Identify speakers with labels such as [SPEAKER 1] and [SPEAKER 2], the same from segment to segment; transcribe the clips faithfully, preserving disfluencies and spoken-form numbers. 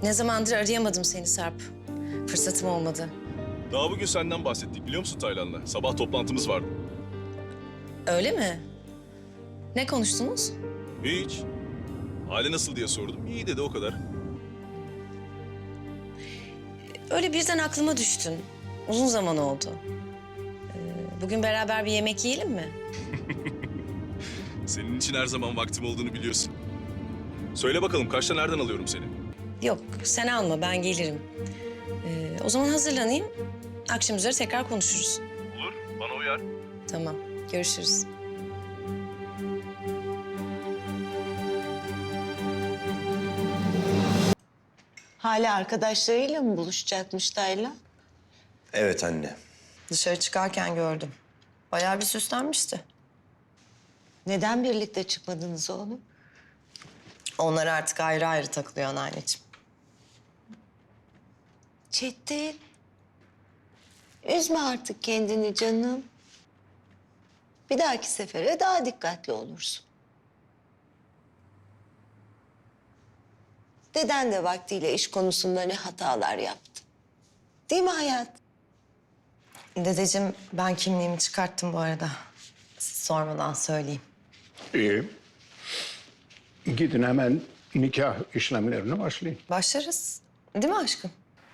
[SPEAKER 1] Ne zamandır arayamadım seni Sarp. Fırsatım olmadı.
[SPEAKER 2] Daha bugün senden bahsettik biliyor musun Taylan'la? Sabah toplantımız vardı.
[SPEAKER 1] Öyle mi? Ne konuştunuz?
[SPEAKER 2] Hiç. Hali nasıl diye sordum. İyi dedi o kadar.
[SPEAKER 1] Öyle birden aklıma düştün. Uzun zaman oldu. Ee, bugün beraber bir yemek yiyelim mi?
[SPEAKER 2] Senin için her zaman vaktim olduğunu biliyorsun. Söyle bakalım kaçta nereden alıyorum seni?
[SPEAKER 1] Yok, sen alma, ben gelirim. Ee, o zaman hazırlanayım. Akşam üzere tekrar konuşuruz.
[SPEAKER 2] Olur, bana uyar.
[SPEAKER 1] Tamam, görüşürüz.
[SPEAKER 3] Hala arkadaşlarıyla mı buluşacakmış Taylan?
[SPEAKER 4] Evet anne.
[SPEAKER 1] Dışarı çıkarken gördüm. Bayağı bir süslenmişti.
[SPEAKER 3] Neden birlikte çıkmadınız oğlum?
[SPEAKER 1] Onlar artık ayrı ayrı takılıyor anneanneciğim.
[SPEAKER 3] Çetin. Üzme artık kendini canım. Bir dahaki sefere daha dikkatli olursun. Deden de vaktiyle iş konusunda ne hatalar yaptı. Değil mi hayat?
[SPEAKER 1] Dedeciğim, ben kimliğimi çıkarttım bu arada. Siz sormadan söyleyeyim.
[SPEAKER 5] İyi. Gidin hemen nikah işlemlerine başlayın.
[SPEAKER 1] Başlarız. Değil mi aşkım?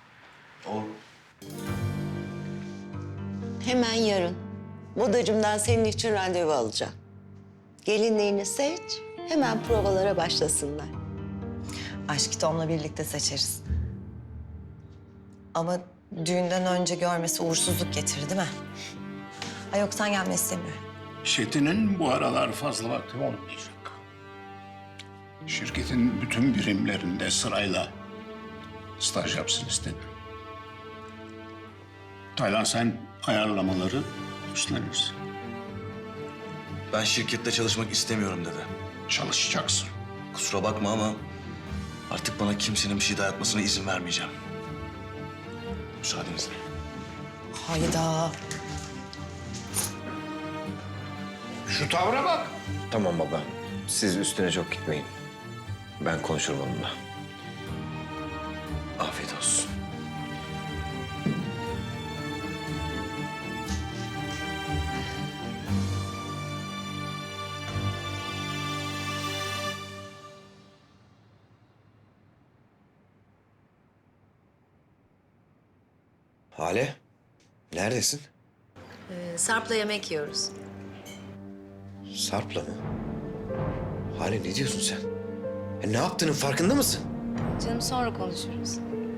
[SPEAKER 3] Hemen yarın. Modacımdan senin için randevu alacağım. Gelinliğini seç, hemen provalara başlasınlar.
[SPEAKER 1] Aşkı Tom'la birlikte seçeriz. Ama düğünden önce görmesi uğursuzluk getirir değil mi? Ay yok, sen gelme istemiyorum.
[SPEAKER 5] Çetin'in bu aralar fazla vakti olmayacak. Şirketin bütün birimlerinde sırayla staj yapsın istedim. Taylan sen ayarlamaları üstlenirsin.
[SPEAKER 4] Ben şirkette çalışmak istemiyorum dede.
[SPEAKER 5] Çalışacaksın.
[SPEAKER 4] Kusura bakma ama artık bana kimsenin bir şey dayatmasına izin vermeyeceğim. Müsaadenizle.
[SPEAKER 1] Hayda.
[SPEAKER 5] Şu tavra bak.
[SPEAKER 6] Tamam baba. Siz üstüne çok gitmeyin. Ben konuşurum onunla.
[SPEAKER 4] Afiyet olsun.
[SPEAKER 6] Hale, neredesin?
[SPEAKER 1] Ee, Sarp'la yemek yiyoruz.
[SPEAKER 6] Sarp'la mı? Hale ne diyorsun sen? Ya ne yaptığının farkında mısın?
[SPEAKER 1] Canım, sonra konuşuruz.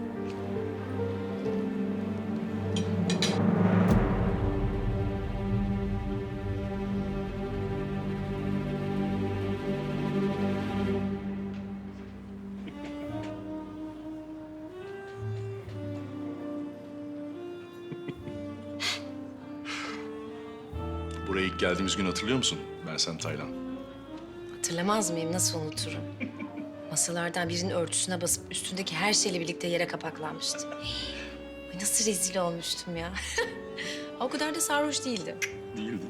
[SPEAKER 2] Buraya ilk geldiğimiz gün hatırlıyor musun? Ben sen Taylan.
[SPEAKER 1] Hatırlamaz mıyım? Nasıl unuturum? Masalardan birinin örtüsüne basıp üstündeki her şeyle birlikte yere kapaklanmıştı. Ay, nasıl rezil olmuştum ya. O kadar da sarhoş değildim.
[SPEAKER 2] Değildi.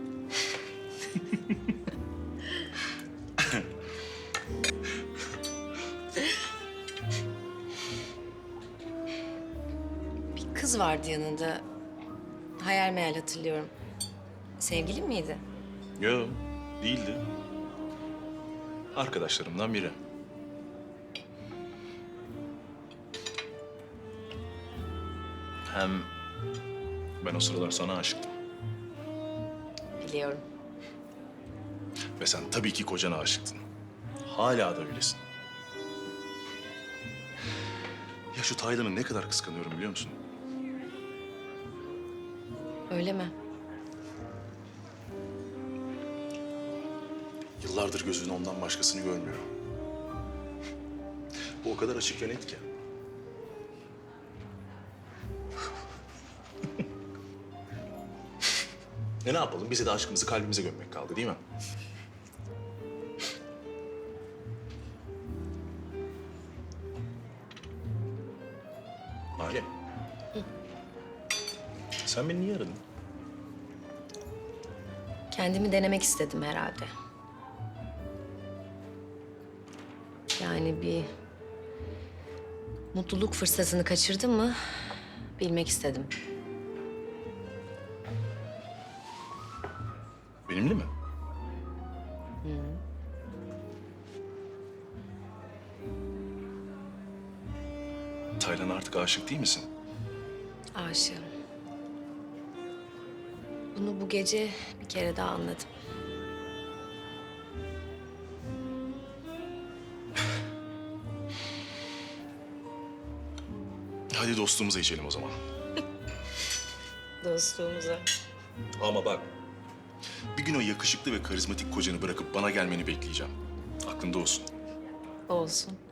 [SPEAKER 1] Bir kız vardı yanında. Hayal meyal hatırlıyorum. Sevgilin miydi?
[SPEAKER 2] Yo, değildi. Arkadaşlarımdan biri. Hem ben o sıralar sana aşıktım.
[SPEAKER 1] Biliyorum.
[SPEAKER 2] Ve sen tabii ki kocana aşıktın. Hala da öylesin. Ya şu Taylan'ı ne kadar kıskanıyorum biliyor musun?
[SPEAKER 1] Öyle mi?
[SPEAKER 2] Yıllardır gözünün ondan başkasını görmüyor. Bu o kadar açık ve net ki. e ne yapalım? Bize de aşkımızı kalbimize gömmek kaldı değil mi? Hale. Sen beni niye aradın?
[SPEAKER 1] Kendimi denemek istedim herhalde. Yani bir mutluluk fırsatını kaçırdın mı bilmek istedim.
[SPEAKER 2] Benimle mi? Taylan artık aşık değil misin?
[SPEAKER 1] Aşığım. Bunu bu gece bir kere daha anladım.
[SPEAKER 2] Hadi dostluğumuza içelim o zaman.
[SPEAKER 1] Dostluğumuza.
[SPEAKER 2] Ama bak, bir gün o yakışıklı ve karizmatik kocanı bırakıp bana gelmeni bekleyeceğim. Aklında olsun.
[SPEAKER 1] Olsun.